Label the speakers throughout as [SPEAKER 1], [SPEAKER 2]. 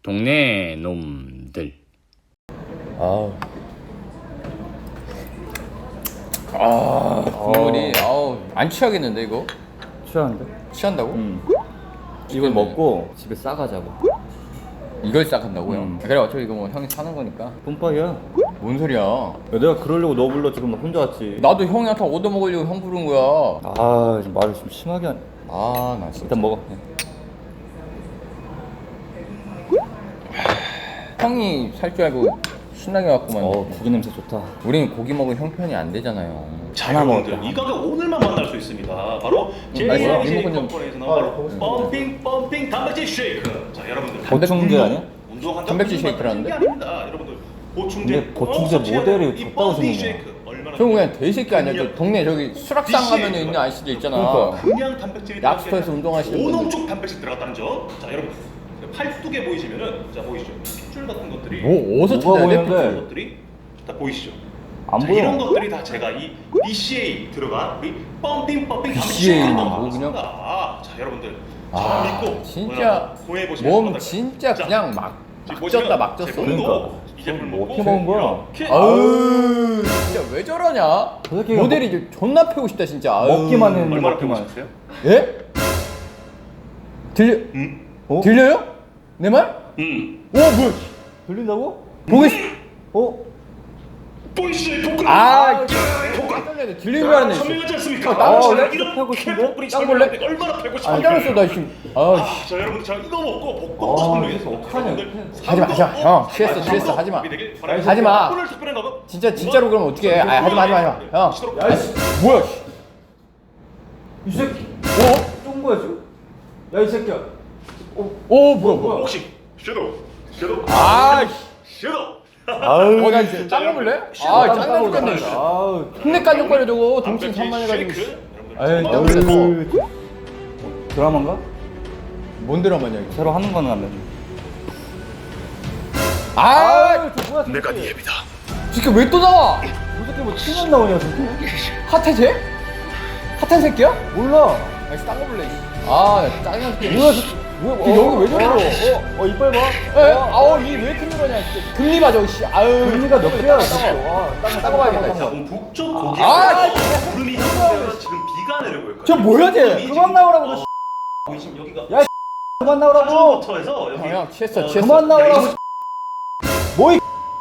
[SPEAKER 1] 동네 놈들.
[SPEAKER 2] 국물이 안 취하겠는데 이거?
[SPEAKER 3] 취하는데?
[SPEAKER 2] 취한다고?
[SPEAKER 3] 이걸 먹고 집에 싸가자고.
[SPEAKER 2] 이걸 시작한다고요? 그래 어차피 이거 뭐 형이 사는 거니까.
[SPEAKER 3] 뿜빠이야.
[SPEAKER 2] 뭔 소리야?
[SPEAKER 3] 야, 내가 그러려고 너 불러 지금 혼자 왔지.
[SPEAKER 2] 나도 형이한테 얻어먹으려고 형 부른 거야.
[SPEAKER 3] 지금 말을 좀 심하게 하네.
[SPEAKER 2] 나 진짜.
[SPEAKER 3] 일단 먹어.
[SPEAKER 2] 형이 살 줄 알고 신나게 왔구만.
[SPEAKER 3] 고기 냄새 좋다.
[SPEAKER 2] 우린 고기 먹을 형편이 안 되잖아요.
[SPEAKER 4] 자, 여러분들 이 가격 오늘만 만날 수 있습니다. 바로 JJ 컴퍼니에서 나온 바로 펌핑 단백질 쉐이크. 자, 여러분들
[SPEAKER 3] 보충제 아니야?
[SPEAKER 4] 운동한다고
[SPEAKER 2] 단백질
[SPEAKER 4] 무슨
[SPEAKER 2] 쉐이크라는데?
[SPEAKER 4] 게 아닙니다. 여러분들 보충제.
[SPEAKER 3] 근데 보충제 모델이
[SPEAKER 4] 이
[SPEAKER 3] 졌다고
[SPEAKER 4] 펌핑
[SPEAKER 3] 생각나.
[SPEAKER 4] 쉐이크 얼마나
[SPEAKER 2] 형 그냥 돼지새끼 아니야? 저 동네 저기 수락상 가면 있는 아저씨들 있잖아.
[SPEAKER 4] 그냥 단백질이
[SPEAKER 2] 랍스터에서 운동하시는 분들.
[SPEAKER 4] 오농축 단백질 들어갔다는 점. 자, 여러분 팔뚝에 보이시면은 자 보이시죠? 핏줄 같은 것들이
[SPEAKER 2] 뭐 어디서
[SPEAKER 3] 뭐가
[SPEAKER 2] 찾아야 돼?
[SPEAKER 3] 보이는데?
[SPEAKER 4] 이런 것들이 다 보이시죠?
[SPEAKER 3] 안
[SPEAKER 4] 자,
[SPEAKER 3] 보여.
[SPEAKER 4] 이런 것들이 다 제가 이 BCA 들어간 우리 펌핑
[SPEAKER 2] BCA 는
[SPEAKER 4] 단백질
[SPEAKER 2] 뭐군요?
[SPEAKER 4] 자, 여러분들 저 믿고
[SPEAKER 2] 진짜
[SPEAKER 4] 구해 보시면
[SPEAKER 2] 몸 진짜 그냥 막 쪘다 막 쪘어.
[SPEAKER 3] 그러니까.
[SPEAKER 4] 이 제품
[SPEAKER 3] 뭐
[SPEAKER 4] 먹고
[SPEAKER 3] 어떻게 먹은 거야?
[SPEAKER 4] 이렇게
[SPEAKER 2] 아우 진짜 왜 저러냐?
[SPEAKER 3] 저 새끼가
[SPEAKER 2] 모델이 이제 존나 패고 싶다 진짜. 아유.
[SPEAKER 3] 먹기만 했는데
[SPEAKER 4] 얼마나 보고
[SPEAKER 3] 먹기만.
[SPEAKER 4] 싶으세요?
[SPEAKER 2] 예? 들려?
[SPEAKER 3] 어?
[SPEAKER 2] 들려요? 내 말? 뭐야?
[SPEAKER 3] 들린다고?
[SPEAKER 2] 보고 있.
[SPEAKER 4] 보이시죠? 복근.
[SPEAKER 2] 깜짝이야. 들리는 줄 알았네.
[SPEAKER 4] 선명하지 않습니까?
[SPEAKER 2] 나
[SPEAKER 3] 원래
[SPEAKER 4] 이런
[SPEAKER 3] 패고 싶은데?
[SPEAKER 4] 복근이
[SPEAKER 2] 딱 볼래?
[SPEAKER 4] 선명한데 얼마나 패고 싶은데?
[SPEAKER 2] 깜짝 놀랐어 나 지금.
[SPEAKER 4] 자, 여러분들 저 이거 먹고 복근도 선명해서
[SPEAKER 3] 어떡하냐.
[SPEAKER 2] 하지마. 형 취했어 하지마. 하지마. 진짜로 그러면 어떻게 해? 하지마. 형.
[SPEAKER 3] 야이씨.
[SPEAKER 2] 뭐야?
[SPEAKER 3] 이 새끼. 쫀 거야 지금? 야 이 새끼야.
[SPEAKER 2] 뭐야?
[SPEAKER 4] 혹시 섀도우
[SPEAKER 2] 나 진짜 짱 먹을래? 짱나 죽겠네. 힘내 깐족거려 저거 동치 산만해가지고.
[SPEAKER 3] 아유. 드라마인가?
[SPEAKER 2] 뭔 드라마냐 이거?
[SPEAKER 3] 새로 하는 거는 안 되네.
[SPEAKER 2] 저 뭐야?
[SPEAKER 4] 내가 네 애비다.
[SPEAKER 2] 새끼 왜 또 나와?
[SPEAKER 3] 저 새끼 뭐 튀만 나오냐 새끼?
[SPEAKER 2] 핫해 쟤? 핫한 새끼야?
[SPEAKER 3] 몰라.
[SPEAKER 2] 나 딴 거 볼래. 나 짜증나 새끼.
[SPEAKER 3] 뭐야?
[SPEAKER 2] 여기 왜 저러?
[SPEAKER 3] 이빨 봐.
[SPEAKER 2] 이왜 이렇게 늘어냐? 금리 봐 저기 씨.
[SPEAKER 3] 금리가 몇 개야?
[SPEAKER 2] 따고 봐야겠다.
[SPEAKER 4] 자, 북쪽 고기. 구름이 형성되어서 지금 비가 내리고 있고요.
[SPEAKER 2] 저 뭐야 쟤?
[SPEAKER 3] 그만 나오라고 너.
[SPEAKER 4] 보이시면 여기가
[SPEAKER 3] 야, 그만 나오라고.
[SPEAKER 4] 부터 해서 여기
[SPEAKER 2] 형 취했어.
[SPEAKER 3] 그만 나오라고. 뭐이?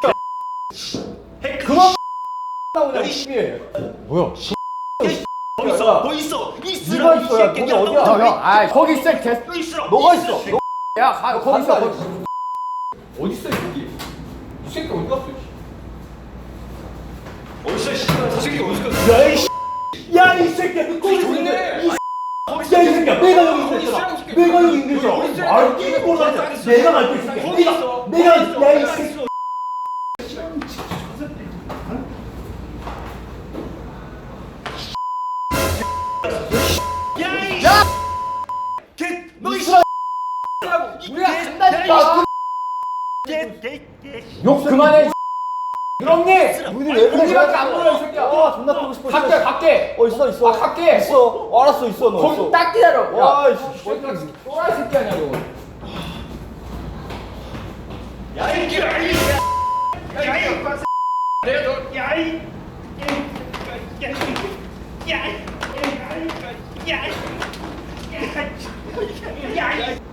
[SPEAKER 4] 그만
[SPEAKER 3] 나오냐?
[SPEAKER 2] 뭐야?
[SPEAKER 4] 뭐 있어
[SPEAKER 3] 네가 있어. 야, 거기 어디야?
[SPEAKER 2] 형, 거기 있어 개.
[SPEAKER 3] 너가 있어.
[SPEAKER 2] 거기 있어.
[SPEAKER 3] 간다.
[SPEAKER 2] 어디 있어 여기? 이 새끼 어디 갔어?
[SPEAKER 4] 어디서 이 새끼 어디 갔어?
[SPEAKER 3] 야이 새끼야. 너 거기
[SPEAKER 2] 있네.
[SPEAKER 3] 야 이 새끼야. 내가 여기 있었잖아. 내가 여기 있었잖아. 아 끼고 몰라. 내가 알고 있을게. 내가 야이 새끼.
[SPEAKER 4] 너 이
[SPEAKER 2] 우리가 간다니까. 욕 그만해. 그럼니. 우리밖에 안 보여 이 새끼야.
[SPEAKER 3] 존나 끄고 싶어.
[SPEAKER 2] 갈게.
[SPEAKER 3] 있어.
[SPEAKER 2] 갈게.
[SPEAKER 3] 있어. 알았어 있어 너.
[SPEAKER 2] 거기 딱 기다려.
[SPEAKER 3] 와,
[SPEAKER 2] 야, 또라이 새끼 아니야 너.
[SPEAKER 4] 야이